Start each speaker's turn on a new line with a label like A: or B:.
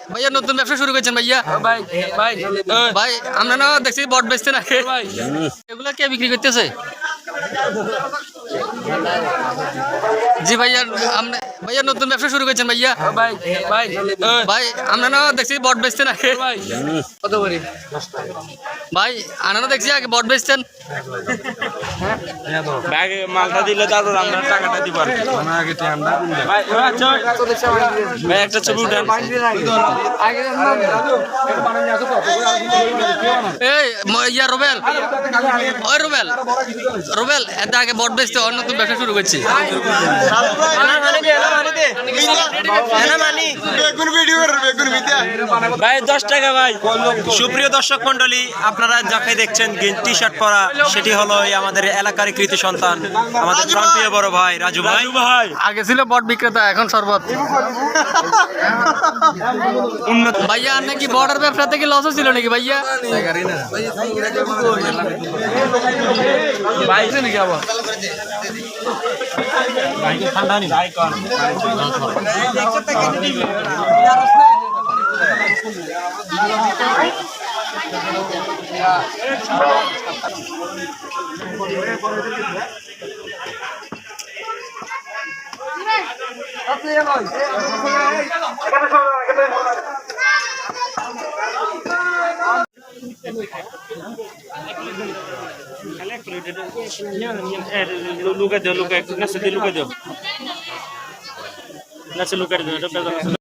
A: ভাইয়া নতুন ব্যবসা শুরু করেছেন ভাইয়া? ভাই ভাই ভাই আমরা না দেখছি বট বেচতে না ভাই, এগুলা কে বিক্রি করতেছে? জি ভাইয়া আমরা ভাইয়া নতুন ব্যবসা শুরু করেছেন ভাইয়া? ভাই ভাই ভাই আমরা না দেখছি বট বেচতে না ভাই, কত করে ভাই? আনারা দেখছি আগে বট বেচতেন।
B: ব্যাগে মালটা দিলে তারপর আমরা টাকাটা দিব আর ভাই একটা ছবি উঠান।
A: এই ইয়া রুবেল, ওই রুবেল রুবেল এটা আগে বট বেচতে অন্য নতুন ব্যবসা শুরু করছি।
B: ভাই 10 টাকা ভাই। সুপ্রিয় দর্শক মন্ডলী, আপনারা যাকে দেখছেন টি শার্ট পরা, সেটি হলো আমাদের এলাকার কৃতি সন্তান, আমাদের প্রাণপ্রিয় বড় ভাই রাজু ভাই।
A: আগে ছিল বট বিক্রেতা, এখন শরবত। ভাইয়া আর নাকি বর্ডার ব্যবসা থেকে লস ছিল নাকি ভাইয়া? ভাই নাকি আবার
B: ঠান্ডা নি ভাই কোন luka deu, luka, nessa de luka deu. Nessa luka deu,